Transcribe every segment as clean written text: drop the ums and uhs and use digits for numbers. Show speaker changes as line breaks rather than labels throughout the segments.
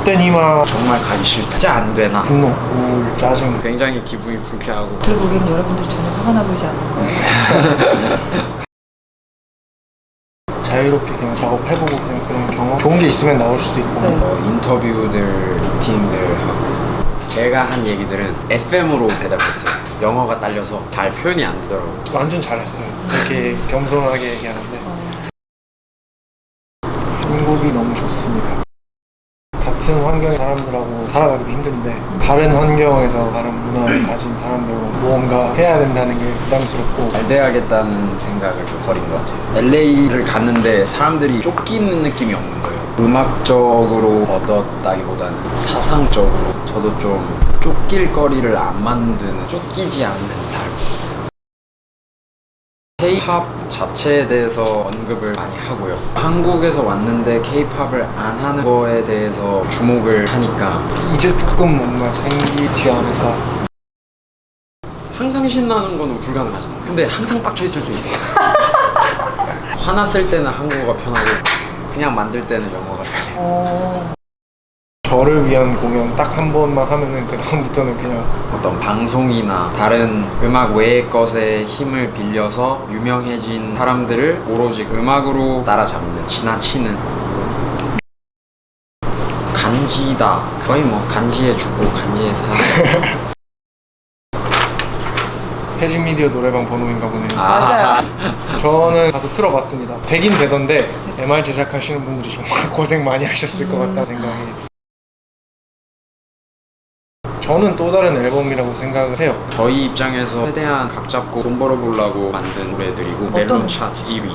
헛된 희망,
정말 가기 싫다, 진짜 안 되나,
분노, 우울, 짜증.
굉장히 기분이 불쾌하고.
들어보기엔 여러분들이 전혀 화가 나 보이지 않나요?
자유롭게 그냥 작업해보고 그냥 그런 경험 좋은 게 있으면 나올 수도 있고.
네.
인터뷰들, 미팅들 하고 제가 한 얘기들은 FM으로 대답했어요. 영어가 딸려서 잘 표현이 안 되더라고요.
완전 잘했어요. 이렇게 겸손하게 얘기하는데 한국이 너무 좋습니다. 같은 환경의 사람들하고 살아가기도 힘든데 다른 환경에서 다른 문화를 가진 사람들과 무언가 해야 된다는 게 부담스럽고.
잘 돼야겠다는 생각을 좀 버린 것 같아요. LA를 갔는데 사람들이 쫓기는 느낌이 없는 거예요. 음악적으로 얻었다기보다는 사상적으로 저도 좀 쫓길 거리를 안 만드는, 쫓기지 않는 삶. K-팝 자체에 대해서 언급을 많이 하고요. 한국에서 왔는데 K-팝을 안 하는 거에 대해서 주목을 하니까
이제 조금 뭔가 생기지 않을까.
항상 신나는 거는 불가능하잖아요. 근데 항상 빡쳐 있을 수 있어요. 화났을 때는 한국어가 편하고 그냥 만들 때는 영어가 편해요.
저를 위한 공연 딱 한 번만 하면은 그 다음부터는 그냥
어떤 방송이나 다른 음악 외의 것에 힘을 빌려서 유명해진 사람들을 오로지 음악으로 따라잡는, 지나치는 간지다. 거의 뭐 간지에 죽고 간지에 사는.
태진 미디어 노래방 번호인가 보네요.
맞아요.
저는 가서 틀어봤습니다. 되긴 되던데 MR 제작하시는 분들이 정말 고생 많이 하셨을 것 같다는 생각이. 저는 또 다른 앨범이라고 생각을 해요.
저희 입장에서 최대한 각 잡고 돈 벌어보려고 만든 노래들이고 멜론 차트 1위.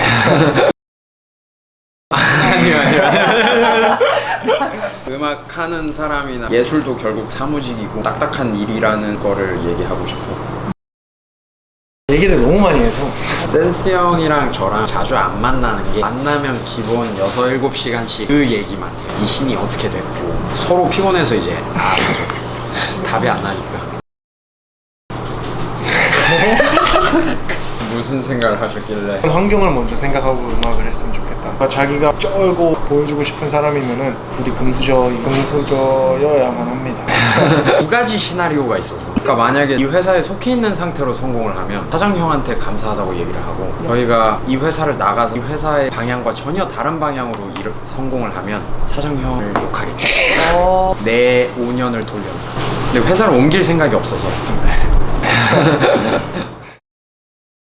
아니요. 음악 하는 사람이나 예술도 결국 사무직이고 딱딱한 일이라는 거를 얘기하고 싶어.
얘기를 너무 많이 해서.
센스 형이랑 저랑 자주 안 만나는 게, 만나면 기본 6, 7시간씩 그 얘기만 해요. 이 신이 어떻게 됐고 서로 피곤해서 이제 답이 안 나니까. 무슨 생각을 하셨길래?
환경을 먼저 생각하고 음악을 했으면 좋겠다. 자기가 쩔고 보여주고 싶은 사람이면은 부디 금수저여야만 합니다.
두 가지 시나리오가 있어서, 그러니까 만약에 이 회사에 속해 있는 상태로 성공을 하면 사장형한테 감사하다고 얘기를 하고, 저희가 이 회사를 나가서 이 회사의 방향과 전혀 다른 방향으로 성공을 하면 사장형을 욕하겠죠. 내 5년을 돌렸다. 근데 회사를 옮길 생각이 없어서